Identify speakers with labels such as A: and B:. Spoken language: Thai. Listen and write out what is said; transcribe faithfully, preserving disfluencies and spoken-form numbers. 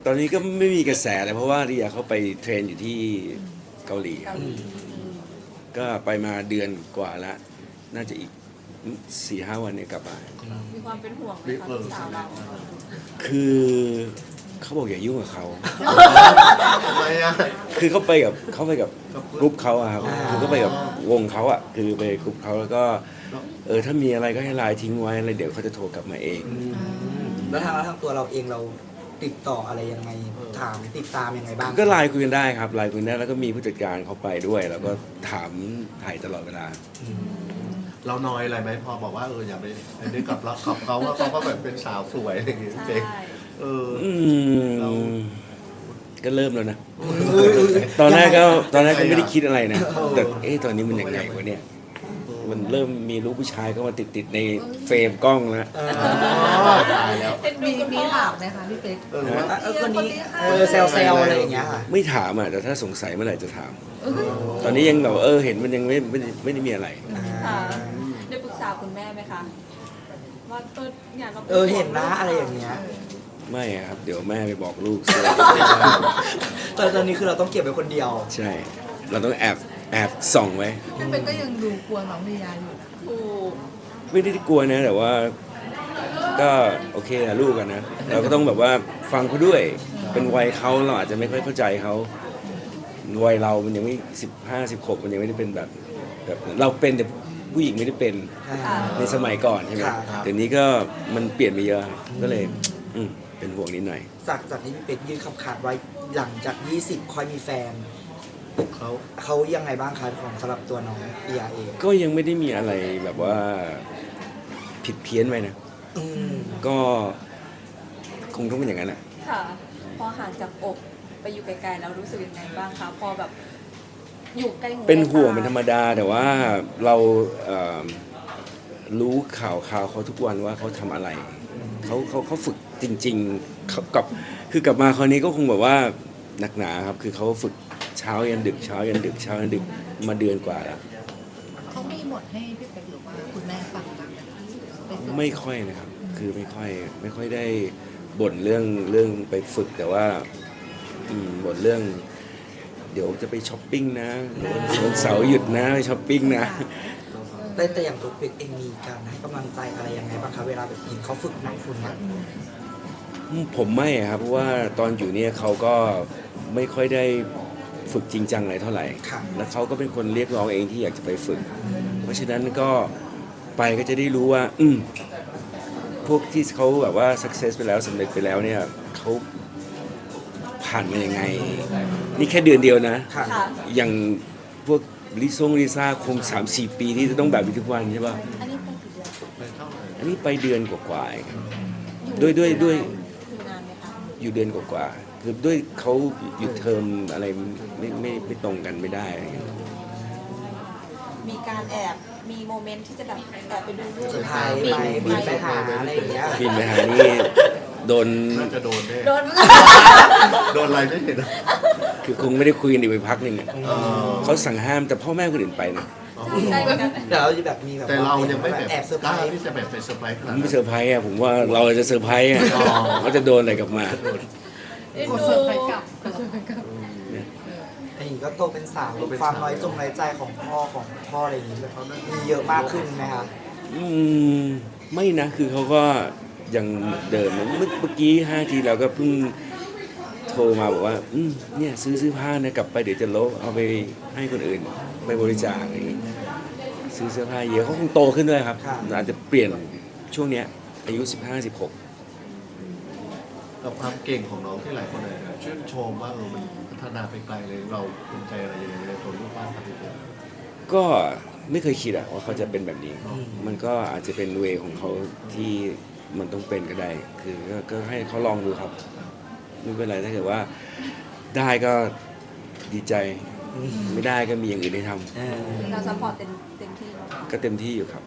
A: ตอนนี้ก็ไม่มีกระแสเลยเพราะว่าเรียเขาไปเทรนอยู่ที่เกาหลีครับก็ไปมาเดือนกว่าแล้วน่าจะอีกสี่ห้าวันเนี่ยกลับมา
B: มีความเป็นห่วงไหมคะลูกสาวเรา
A: คือเขาบอกอย่ายุ่งกับเขา
C: ทำไมอ่ะ
A: คือเขาไปกับเขาไปกับกรุ๊ปเขาอะครับคือเขาไปกับวงเขาอะคือไปกรุ๊ปเขาแล้วก็เออถ้ามีอะไรก็ให้ไลน์ทิ้งไว้อะไรเดี๋ยวเขาจะโทรกลับมาเอง
D: แล้วทางแล้วทางตัวเราเองเราติดต่ออะไรยังไงถามติดตามยังไงบ้าง
A: ก็ไลน์คุยกันได้ครับไลน์คุยกันได้แล้วก็มีผู้จัดการเขาไปด้วย แล้วก็ถามถ่ายตลอดเวลา
C: เราน้อยอะไรไหมพอบอกว่าเอออย่าไปไปนึกกับเราขับเขาว่าเขาก็แบบเป็นสาวสวยอะไรอย่างเงี้ย
B: ใช่
C: เจ๊เออ
A: อืม
C: เรา
A: ก็เริ่มแล้วนะ ตอนแรกก็ตอนแรกก็ไม่ได้คิดอะไรนะ แต่เอ๊ะตอนนี้มันยังไงวะเนี่ย มันเริ่มมีลูกผู้ชายเข้ามาติดติดๆในเฟรมกล้องแล้ว
D: เออ
C: ตายแล้ว
E: มีมีถามไหมคะพี่เป๊ก
C: เออว่า
D: เออคนนี้เออเซลเซลอะไรอย่างเงี้ยค่ะ
A: ไม่ถามอ่ะแต่ถ้าสงสัยเมื่อไหร่จะถาม ตอนนี้ยังแบบเออเห็นมันยังไม่ไม่ได้ไม่ได้มีอะไร
B: ค่ะได้ปรึกษาคุณแม่ไหมคะว่าเออเนี่ยเรา
D: เออเห็นนะอะไรอย่างเงี้ย
A: ไม่อะครับ เดี๋ยวแม่ไปบอกลูก ซะ
D: ตอนตอนนี้คือเราต้องเก็บไว้คนเดียว
A: ใช่ เราต้องแอบแอบส่องไว้
E: พี่เป๊กก็ยังดูกลัวน้องลียาอยู่นะ
B: ถูก
A: ไม่ได้กลัวนะ แต่ว่าก็โอเคนะลูกกันนะ เราก็ต้องแบบว่าฟังเขาด้วย เป็นวัยเขาเราอาจจะไม่ค่อยเข้าใจเขาวัยเรามันยังไม่สิบห้าสิบหกมันยังไม่ได้เป็นแบบแบบเราเป็นแต่ผู้หญิงไม่ได้เป็น
B: ค่ะ
A: ในสมัยก่อนใช่ไหม
D: ครับ
A: เดี๋ยวนี้ก็มันเปลี่ยนไปเยอะ ก็เลยอืมเป็นห่วงนิดหน่อย
D: จากจากที่พี่เป็กยื่นคำขาดไว้หลังจากยี่สิบค่อยมีแฟน
C: เขา
D: เขายังไงบ้างคะของสำหรับตัวน้องเอียเอง
A: ก็ยังไม่ได้มีอะไรแบบว่าผิดเพี้ยนไปนะ
D: อืม
A: ก็คงต้องเป็นอย่างนั้นแหละ
B: ค่ะ พอห่างจากอกไปอยู่ไกลๆแล้วรู้สึกยังไงบ้างคะพอแบบอยู่ใกล้หู
A: เป็นห่วง
B: ใกล้ตา
A: เป็นธรรมดาแต่ว่าเราเอ่อรู้ข่าวข่าวเขาทุกวันว่าเขาทำอะไรเขาเขาเขาฝึกจริงๆเขากับคือกลับมาคราวนี้ก็คงแบบว่าหนักหนาครับ คือเขาฝึกเช้ายันดึกเช้ายันดึกเช้ายันดึกมาเดือนกว่าแล้ว
E: เขามีบทให้พี่เป๊กหรือว่าคุณแม่ฟังบ้างไหมคะไปฝึก
A: ไม่ค่อยนะครับ คือไม่ค่อยไม่ค่อยได้บ่นเรื่องเรื่องไปฝึกแต่ว่าอืมบ่นเรื่อง เดี๋ยวจะไปช้อปปิ้งนะวันเสาร์หยุดนะไปช้อปปิ้งนะ
D: แต่แต่อย่างตัวเป็กเองมีการให้กำลังใจอะไรยังไงบ้างคะเวลาแบบเห็นเขาฝึกหนักคุณเนี่ย
A: ผมไม่อะครับเพราะว่าตอนอยู่เนี่ยเขาก็ไม่ค่อยได้ฝึกจริงจังอะไรเท่าไหร่
D: ค่ะ
A: แล้วเขาก็เป็นคนเรียกร้องเองที่อยากจะไปฝึก เพราะฉะนั้นก็ไปก็จะได้รู้ว่า อืมพวกที่เขาแบบว่า success ไปแล้วสำเร็จไปแล้วเนี่ยเขาผ่านมายังไง นี่แค่เดือนเดียวนะ
D: ค่ะ
B: ค่ะ
A: อย่างพวกลิซงลิซ่าคงสามสี่ปีที่จะต้องแบบนี้ทุกวันใช่ป่ะ
B: อันนี้ไปกี่เดือน
C: ไปเท่าไหร่
A: อันนี้ไปเดือนกว่าๆเองครับ
B: อยู่
A: ด้วยด้วยด้วย
B: อยู่นานไหมคะ
A: อยู่เดือนกว่าๆคือด้วยเขาหยุดเทอมอะไรไม่ไม่ไม่ตรงกันไม่ได้อะไรเงี้ย
B: มีการแอบมีโมเมนต์ที่จะแบบแอบไปดูรูป
D: สุดท้ายไปบินไปหาอะไรอย่างเงี้ย
A: บินไปหานี่โดน
C: น่าจะโดนแน่
B: โดน
C: โดนอะไรไม่เห็นอะ
A: คือคงไม่ได้คุยกันอีกไปพักหนึ่งอะ
C: เออ
A: เขาสั่งห้ามแต่พ่อแม่คนอื่นไปนะ
B: ใช่เหมือนกัน
D: เดี๋ยวเราจะแบบมีแบบ
C: แต่เรายังไม่แบบ
D: แอบเซอร์
C: ก
D: ไพร
C: ล้า
D: ส์
C: ที่จะแบบไปเซอร์ไพรส์ข
A: ผ
C: นาด
A: ม
C: นั้
A: ไม่
C: น
A: เซอร์ไพรส์อะผมว่าเราจะเซอร์ไพรส์อะ
C: อ๋อ
A: เขาจะโดนอะไรกลับมา
B: เอ็น
E: กด
B: ดู
E: เสิร์ฟไปกลับกดเสิร์ฟไปกลับ
D: ไอ้นี่ก็โตเป็นสาวความน้อยจงน้อยใจของพ่อของพ่ออะไรอย่างเงี้ยมีเยอะมากขึ้นไหมคะ
A: อืมไม่นะคือเขาก็ยังเดิมเมื่อเมื่อกี้ห้าทีเราก็เพิ่งโทรมาบอกว่าอืมเนี่ยซื้อซื้อผ้านะกลับไปเดี๋ยวจะลบเอาไปให้คนอื่นไปบริจาคอะไรอย่างงี้ซื้อเสื้อผ้าเยอะเขาคงโตขึ้นด้วยครับอาจจะเปลี่ยนช่วงเนี้ยอายุสิบห้าสิบหก
C: กับความเก่งของน้องที่หลายคนเลยชื่นชมว่าเออมันพัฒนาไปไกลเลยเราภูมิใจอะไรยังไงในตัวลูกบ้างครับพี่เป๊ก
A: ก็ไม่เคยคิดอะว่าเขาจะเป็นแบบนี้ มันก็อาจจะเป็นเวของเขาที่มันต้องเป็นก็ได้ คือก็ก็ให้เขาลองดูครับไม่เป็นไรถ้าเกิดว่าได้ก็ดีใจ ไม่ได้ก็มีอย่างอื่นให้ทำ
D: เออ
B: เราซัพพอร์ตเต็มเต็มที่เนอะ
A: ก็เต็มที่อยู่ครับ